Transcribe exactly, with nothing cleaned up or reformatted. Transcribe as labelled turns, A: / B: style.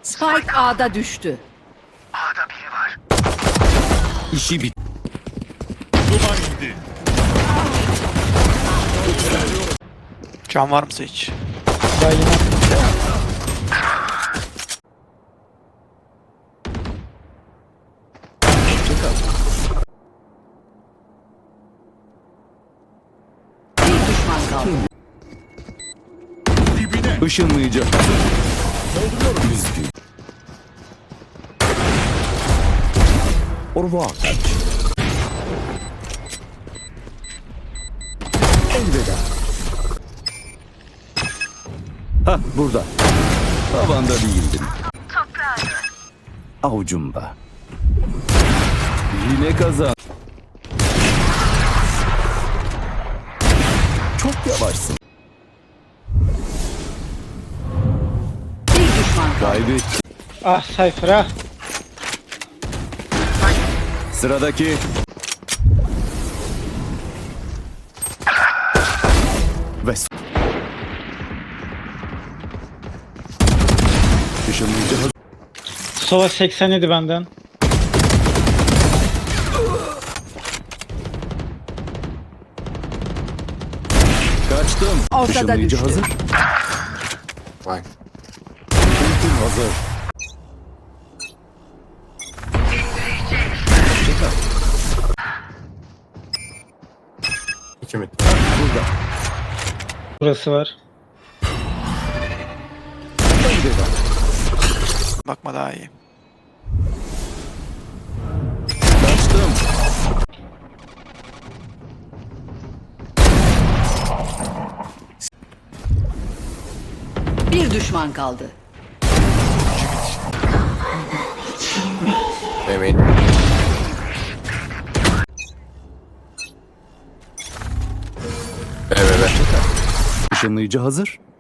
A: Spike A'da düştü.
B: A'da biri var.
C: İşi bit.
D: Duman indi.
E: Can var mı hiç?
F: Daha yine.
A: Bir düşman kaldı.
D: Dibine.
C: Işınlayıcı. Üzgün. Orva kaç. Elveda. Ha burada. Tavanda değildin. Avucumda. Yine kazan. Çok yavaşsın.
A: Bir düşman kaldı.
C: Kaybettin.
F: Ah Cypher ah.
C: Sıradaki. Ve s- Işınlayıcı hazır.
F: Sova seksen yedi benden.
C: Kaçtım.
A: Ortada
C: Işınlayıcı
A: düştü.
C: hazır.
G: Vay.
C: Ultim hazır.
G: İki mid.
C: Burada.
F: Burası var.
C: Elveda.
E: Bakma daha iyi.
C: Kaçtım.
A: Bir düşman kaldı.
G: Emin. Evet evet.
C: Işınlayıcı hazır.